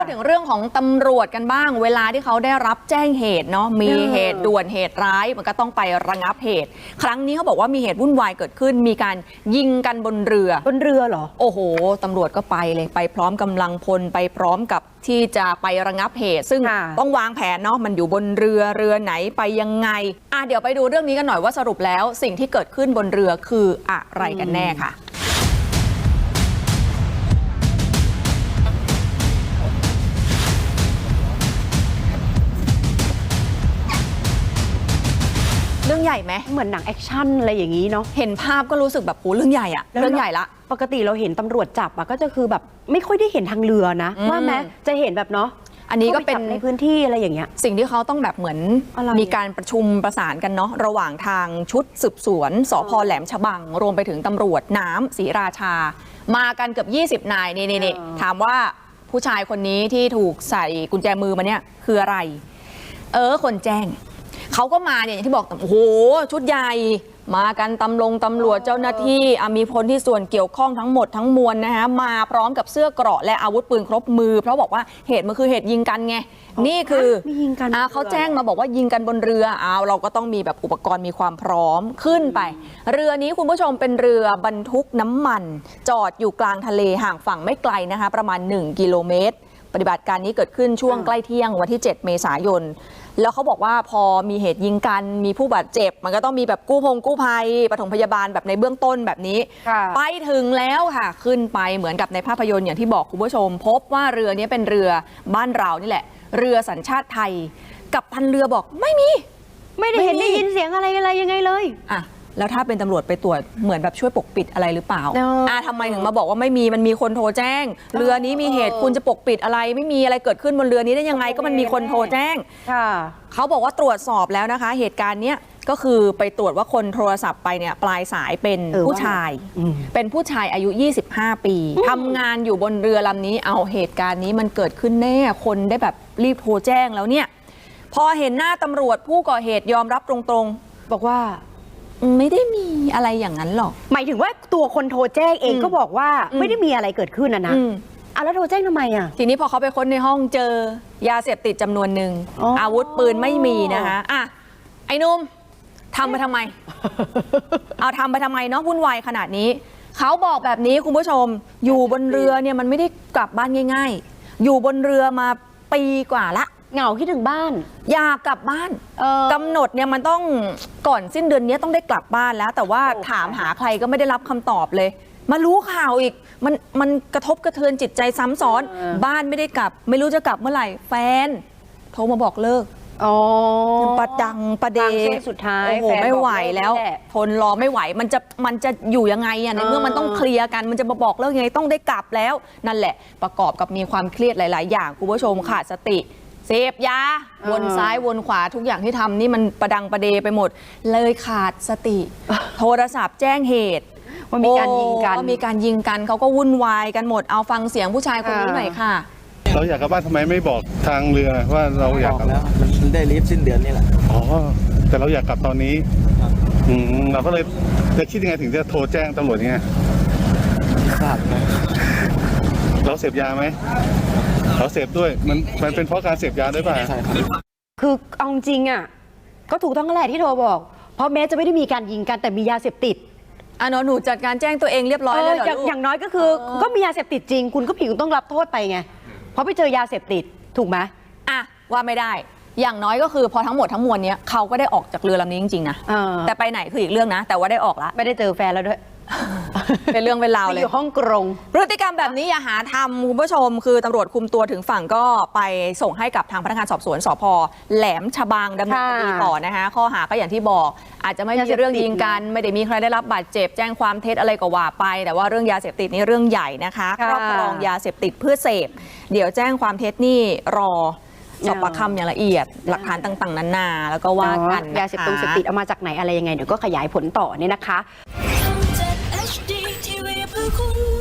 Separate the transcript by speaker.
Speaker 1: ถึงเรื่องของตำรวจกันบ้างเวลาที่เขาได้รับแจ้งเหตุเนาะมีเหตุด่วนเหตุร้ายมันก็ต้องไประงับเหตุครั้งนี้เขาบอกว่ามีเหตุวุ่นวายเกิดขึ้นมีการยิงกันบนเรือเหรอโอ้โหตำรวจก็ไปเลยไปพร้อมกำลังพลไปพร้อมกับที่จะไประงับเหตุซึ่งต้องวางแผนเนาะมันอยู่บนเรือไหนไปยังไงเดี๋ยวไปดูเรื่องนี้กันหน่อยว่าสรุปแล้วสิ่งที่เกิดขึ้นบนเรือคืออะไรกันแน่ค่ะเรื่องใหญ่ไหม
Speaker 2: เหมือนหนังแอคชั่นอะไรอย่างนี้เนาะ
Speaker 1: เห็นภาพก็รู้สึกแบบโหเรื่องใหญ่อะเรื่องใหญ่ละ
Speaker 2: ปกติเราเห็นตำรวจจับก็จะคือแบบไม่ค่อยได้เห็นทางเรือนะว่าแม้จะเห็นแบบเนาะ
Speaker 1: อันนี้ก็เป็น
Speaker 2: ในพื้นที่อะไรอย่างเงี้ย
Speaker 1: สิ่งที่เขาต้องแบบเหมือนมีการประชุมประสานกันเนาะระหว่างทางชุดสืบสวนสพ.แหลมฉบังรวมไปถึงตำรวจน้ำศรีราชามากันเกือบ20 นายนี่ถามว่าผู้ชายคนนี้ที่ถูกใส่กุญแจมือมาเนี่ยคืออะไรคนแจ้งเขาก็มาเนี่ยอย่างที่บอกโอ้โหชุดใหญ่มากันตำรวจเจ้าหน้าที่มีพลที่ส่วนเกี่ยวข้องทั้งหมดทั้งมวลนะคะมาพร้อมกับเสื้อเกราะและอาวุธปืนครบมือเพราะบอกว่าเหตุมันคือเหตุยิงกันไงนี่คือ
Speaker 2: ยิงกัน
Speaker 1: เขาแจ้งมาบอกว่ายิงกันบนเรือเราก็ต้องมีแบบอุปกรณ์มีความพร้อมขึ้นไปเรือนี้คุณผู้ชมเป็นเรือบรรทุกน้ำมันจอดอยู่กลางทะเลห่างฝั่งไม่ไกลนะคะประมาณ1 กิโลเมตรปฏิบัติการนี้เกิดขึ้นช่วงใกล้เที่ยงวันที่ 7 เมษายนแล้วเขาบอกว่าพอมีเหตุยิงกันมีผู้บาดเจ็บมันก็ต้องมีแบบกู้ภัยปฐมพยาบาลแบบในเบื้องต้นแบบนี้ไปถึงแล้วค่ะขึ้นไปเหมือนกับในภาพยนตร์อย่างที่บอกคุณผู้ชมพบว่าเรือนี้เป็นเรือบ้านเรานี่แหละเรือสัญชาติไทยกัปตันเรือบอกไม่
Speaker 2: ได้เห็นได้ยินเสียงอะไรยังไงเลย
Speaker 1: แล้วถ้าเป็นตำรวจไปตรวจเหมือนแบบช่วยปกปิดอะไรหรือเปล่าทำไมถึงมาบอกว่าไม่มีมันมีคนโทรแจ้งเรือนี้มีเหตุคุณจะปกปิดอะไรไม่มีอะไรเกิดขึ้นบนเรือนี้ได้ยังไงก็มันมีคนโทรแจ้งเขาบอกว่าตรวจสอบแล้วนะคะเหตุการณ์เนี้ยก็คือไปตรวจว่าคนโทรศัพท์ไปเนี่ยปลายสายเป็นผู้ชายเป็นผู้ชายอายุ25 ปีทำงานอยู่บนเรือลำนี้เหตุการณ์นี้มันเกิดขึ้นแน่คนได้แบบรีบโทรแจ้งแล้วเนี่ยพอเห็นหน้าตำรวจผู้ก่อเหตุยอมรับตรงๆบอกว่าไม่ได้มีอะไรอย่างนั้นหรอก
Speaker 2: หมายถึงว่าตัวคนโทรแจ้งเองก็บอกว่าไม่ได้มีอะไรเกิดขึ้นนะแล้วโทรแจ้งทำไม
Speaker 1: ทีนี้พอเขาไปค้นในห้องเจอยาเสพติดจำนวนหนึ่งอาวุธปืนไม่มีนะคะไอ้นุ่มทำไปทำไม ทำไปทำไมเนาะวุ่นวายขนาดนี้เขาบอกแบบนี้คุณผู้ชมอยู่บนเรือเนี่ยมันไม่ได้กลับบ้านง่ายๆอยู่บนเรือมาปีกว่าละ
Speaker 2: เหงาคิดถึงบ้าน
Speaker 1: อยากกลับบ้านกำหนดเนี่ยมันต้องก่อนสิ้นเดือนนี้ต้องได้กลับบ้านแล้วแต่ว่าถามหาใครก็ไม่ได้รับคำตอบเลยมารู้ข่าวอีกมันกระทบกระเทือนจิตใจซ้ำซ้อนบ้านไม่ได้กลับไม่รู้จะกลับเมื่อไหร่แฟนโทรมาบอกเลิกประเด
Speaker 2: สุดท้าย
Speaker 1: โอ้โหไม่ไหวแล้วทนรอไม่ไหวมันจะอยู่ยังไงในเมื่อมันต้องเคลียร์กันมันจะมาบอกเลิกยังไงต้องได้กลับแล้วนั่นแหละประกอบกับมีความเครียดหลายๆอย่างคุณผู้ชมขาดสติเสพยาวนซ้ายวนขวาทุกอย่างที่ทำนี่มันประดังประเดไปหมดเลยขาดสติโทรศัพท์แจ้งเหตุ
Speaker 2: ว่ามีการยิง
Speaker 1: กันเขาก็วุ่นวายกันหมดเอาฟังเสียงผู้ชายคนนี้หน่อยค่ะ
Speaker 3: เราอยากกลับบ้านทำไมไม่บอกทางเรือว่าเราอยากกลับ
Speaker 4: แล้วมันได้รีบสิ้นเดือนนี่แหละ
Speaker 3: แต่เราอยากกลับตอนนี้เราก็เลยจะคิดยังไงถึงจะโทรแจ้งตำรวจยังไง
Speaker 4: ทราบนะ
Speaker 3: เราเสพยาไหมเราเสพด้วยมันเป็นเพราะการเสพยาด้วยป่ะ
Speaker 4: ใช่ครับ
Speaker 2: คือเอาจริงก็ถูกต้องแหละที่โทรบอกเพราะแม้จะไม่ได้มีการยิงกันแต่มียาเสพติด
Speaker 1: หนูจัดการแจ้งตัวเองเรียบร้อยแล้วเหรอ
Speaker 2: อย่างน้อยก็คือก็มียาเสพติดจริงคุณก็ผิดต้องรับโทษไปไงเพราะไปเจอยาเสพติดถูกไหม
Speaker 1: ว่าไม่ได้อย่างน้อยก็คือพอทั้งหมดทั้งมวลเนี้ยเขาก็ได้ออกจากเรือลำนี้จริงๆนะแต่ไปไหนคืออีกเรื่องนะแต่ว่าได้ออกแล้ว
Speaker 2: ไม่ได้เจอแฟนแล้วด้วย
Speaker 1: เป็นเรื่องเป็นราวเลย
Speaker 2: อยู่ห้องกรง
Speaker 1: พฤติกรรมแบบนี้อย่าหาทำคุณผู้ชมคือตำรวจคุมตัวถึงฝั่งก็ไปส่งให้กับทางพนักงานสอบสวนสพ.แหลมฉบังดำเนินคดีต่อนะคะข้อหาก็อย่างที่บอกอาจจะไม่มีเรื่องยิงกันไม่ได้มีใครได้รับบาดเจ็บแจ้งความเท็จอะไรก็ว่าไปแต่ว่าเรื่องยาเสพติดนี่เรื่องใหญ่นะคะครอบครองยาเสพติดเพื่อเสพเดี๋ยวแจ้งความเท็จนี่รอสอบปากคำอย่างละเอียดหลักฐานต่างๆนานาแล้วก็ว่ากัน
Speaker 2: ยาเสพติดเอามาจากไหนอะไรยังไงเดี๋ยวก็ขยายผลต่อเนี่ยนะคะ